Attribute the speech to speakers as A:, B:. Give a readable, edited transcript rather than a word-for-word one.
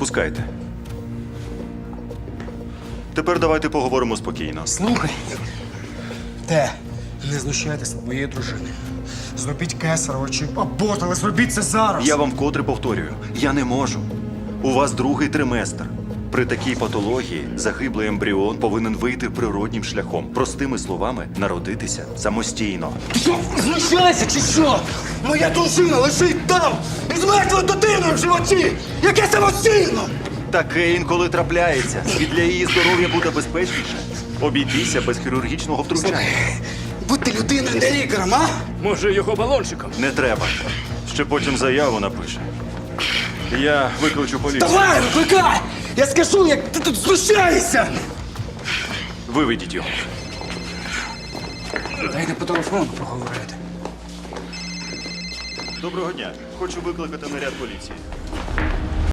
A: Пускайте. Тепер давайте поговоримо спокійно.
B: Слухай. Не знущайтесь над моєю дружиною. Зробіть кесарево чи аборт, але зробіть це зараз.
A: Я вам вкотре повторюю, я не можу. У вас другий триместр. При такій патології загиблий ембріон повинен вийти природнім шляхом. Простими словами, народитися самостійно.
B: Ти що, знущайся чи що? Моя дружина лежить там із мертвою дитиною в животі! Яке самостійно!
A: Таке інколи трапляється. І для її здоров'я буде безпечніше обійтися без хірургічного втручання.
B: Будьте людиною, не лікарем, а?
C: Може, його балончиком?
A: Не треба. Ще потім заяву напише. Я викличу поліцію.
B: Давай, викликай! Я скажу, як ти тут знущаєшся!
A: Виведіть його.
B: Дайте по телефону поговорити.
A: Доброго дня. Хочу викликати наряд поліції.